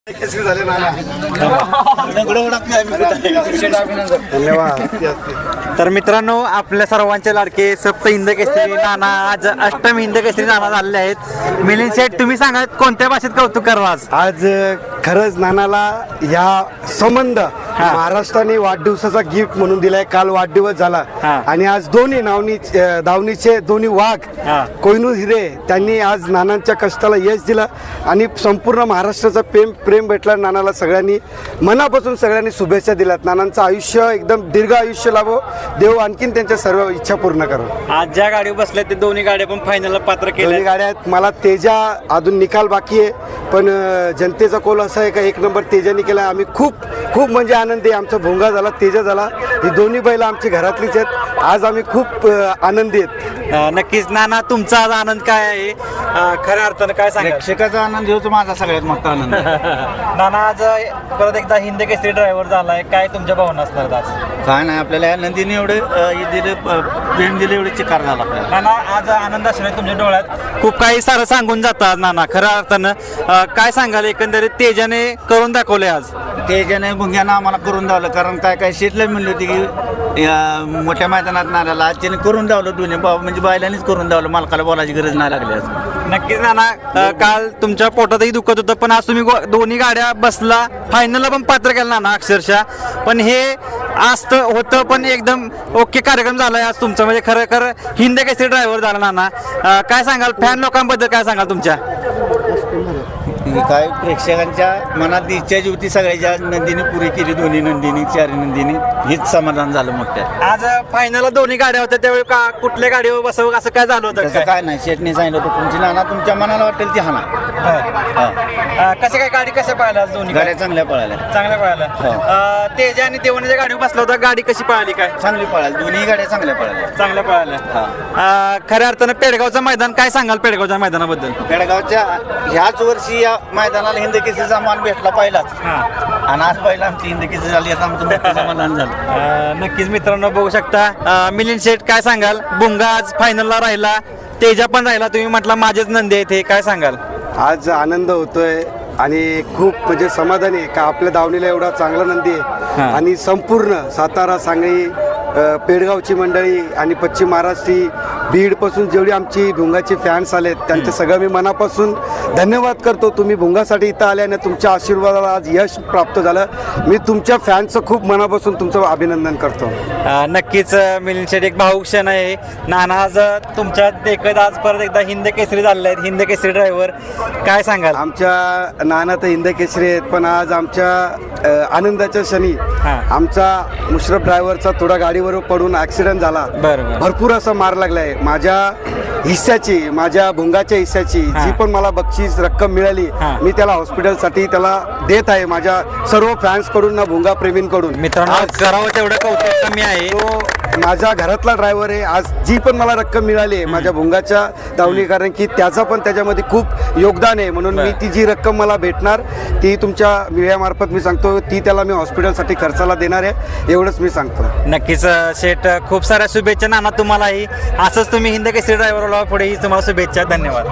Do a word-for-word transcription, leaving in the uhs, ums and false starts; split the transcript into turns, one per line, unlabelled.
धन्यवाद.
तर मित्रांनो, आपल्या सर्वांचे लाडके सप्त हिंद केसरी नाना आज अष्टम हिंद केसरी नाना झालेले आहेत. मिलिंद शेठ, तुम्ही सांगा कोणत्या भाषेत कौतुक करावं आज?
आज खरंच नानाला या संबंध महाराष्ट्राने वाढदिवसाचा गिफ्ट म्हणून दिलाय. काल वाढदिवस झाला आणि आज दोन्ही नावनी दावणीचे दोन्ही वाघ कोहिनूर हिरे त्यांनी आज नानांच्या कष्टाला यश दिलं आणि संपूर्ण महाराष्ट्राचा प्रेम प्रेम भेटला नानाला. सगळ्यांनी मनापासून सगळ्यांनी शुभेच्छा दिल्यात. नानांचं आयुष्य एकदम दीर्घ आयुष्य लाभो, देव आणखीन त्यांच्या सर्व इच्छा पूर्ण करो.
आज ज्या गाडीवर बसल्या ते दोन्ही गाड्या पण फायनलला पात्र केल्या.
दोन्ही गाड्या आहेत. मला तेजा अजून निकाल बाकी आहे, पण जनतेचा कौल असा आहे का एक नंबर तेजाने केला. आम्ही खूप खूप म्हणजे आनंदी. आमचा भोंगा झाला, तेजा झाला. ही दोन्ही बैल आमची घरातलीच आहेत. आज आम्ही खूप आनंदी आहेत.
नक्कीच नाना, तुमचा आज आनंद काय आहे? खऱ्या अर्थानं काय सांगा?
प्रेक्षकाचा आनंद होतो माझा सगळ्यात मोठा आनंद.
नाना, आज परत एकदा हिंद केसरी ड्रायव्हर झालाय, काय तुमच्या भावना असणार आज?
काय नाही, आपल्याला या नंदीने एवढे दिले प्रेम दिले, एवढे चिकार झाला आपल्याला.
नाना, आज आनंद असणार तुमच्या डोळ्यात. खूप काही सारं सांगून जातात नाना. खऱ्या अर्थानं काय सांगाल? एकंदरीत तेजाने करून दाखवले आज.
तेजाने भुंग्यानं आम्हाला करून दावलं, कारण काय काय शेटला म्हणली होती की या मोठ्या मैदानात नाल्याला आज त्याने करून दावलं. दोन्ही भाऊ म्हणजे बायलांनीच करून दावलं, मालकाला बोलायची गरज नाही लागली आज.
नक्कीच नाना, काल तुमच्या पोटातही दुखत होतं, पण आज तुम्ही दोन्ही गाड्या बसला, फायनलला पण पात्र केलं नाना अक्षरशः. पण हे आज तर होतं, पण एकदम ओके कार्यक्रम झालाय आज तुमचा. म्हणजे खरं खरं हिंद केसरी ड्रायव्हर झाला नाना. काय सांगाल फॅन लोकांबद्दल? काय सांगाल तुमच्या?
काय प्रेक्षकांच्या मनात इच्छा जी होती सगळ्याच्या नंदीने पुरी केली. दोन्ही नंदीनी, चारी नंदीनी, हेच समाधान झालं मोठ्या.
आज फायनलला दोन्ही गाड्या होत्या, त्यावेळी का कुठल्या गाडीवर बसवं असं काय झालं होतं?
तसं काय नाही, शेटने सांगितलं होतं तुमची नाना तुमच्या मनाला वाटेल ती हाना.
कसं काय गाडी कशा पळाल्या आज? दोन्ही
गाड्या चांगल्या पळाल्या,
चांगल्या पळाल्या. तेजा आणि देवणीच्या गाडीवर बसला होता, गाडी कशी पळाली? काय
चांगली पळाली, दोन्ही गाड्या चांगल्या पळाल्या.
चांगल्या पळाल्या. खऱ्या अर्थानं पेडगावचं मैदान, काय सांगाल पेडगावच्या मैदानाबद्दल?
पेडगावच्या ह्याच वर्षी या मैदानाला हिंद केसरीचा मान भेटला पहिलाच, आणि आज पहिला आमची हिंद केसरी झाली, आता आमचं मोठं समाधान झालं.
नक्कीच मित्रांनो, बघू शकता. मिलिंद शेठ, काय सांगाल? भुंगा आज फायनलला राहिला, तेजा पण राहिला, तुम्ही म्हटला माझेच नंदी आहेत, हे काय सांगाल?
आज आनंद होतोय आणि खूप म्हणजे समाधानी आहे का आपल्या दावणीला एवढा चांगला नंदी आहे. आणि संपूर्ण सातारा, सांगली, पेडगावची मंडळी आणि पश्चिम महाराष्ट्री, बीडपासून जेवढी आमची भुंगाचे फॅन्स आलेत त्यांचे सगळं मी मनापासून धन्यवाद करतो. तुम्ही भुंगासाठी इथं आल्याने तुमच्या आशीर्वादाला आज यश प्राप्त झालं. मी तुमच्या फॅन्सचं खूप मनापासून तुमचं अभिनंदन करतो.
नक्कीच मिलिंद शेठ, एक भाऊक क्षण आहे. नाना, आज तुमच्या देखत आज परत एकदा हिंद केसरी झालेले आहेत, हिंद केसरी ड्रायव्हर, काय सांगाल?
आमच्या नाना तर हिंद केसरी आहेत, पण आज आमच्या आनंदाच्या क्षणी आमचा मुश्रफ ड्रायव्हरचा थोडा गाडीवर पडून ऍक्सिडेंट झाला. भरपूर असा मार लागलाय. माझ्या हिस्साची, माझ्या भुंगाच्या हिस्साची जी पण मला बक्षीस रक्कम मिळाली, मी त्याला हॉस्पिटलसाठी त्याला देत आहे, माझ्या सर्व फॅन्स कडून ना भुंगा प्रेमींकडून.
मित्रांनो, करावं तेवढं कौतुक कमी आहे.
तो माझा घरातला ड्रायव्हर आहे. आज जी पण मला रक्कम मिळाली आहे माझ्या भुंगाच्या दावणी, कारण की त्याचं पण त्याच्यामध्ये खूप योगदान आहे. म्हणून मी ती जी रक्कम मला भेटणार ती तुमच्या मीडियामार्फत मी सांगतो, ती त्याला मी हॉस्पिटलसाठी खर्चाला देणार आहे, एवढंच मी सांगतो.
नक्कीच शेठ, खूप साऱ्या शुभेच्छा नाना तुम्हालाही. असंच तुम्ही हिंद केसरी ड्रायव्हरला पुढेही तुम्हाला शुभेच्छा. धन्यवाद.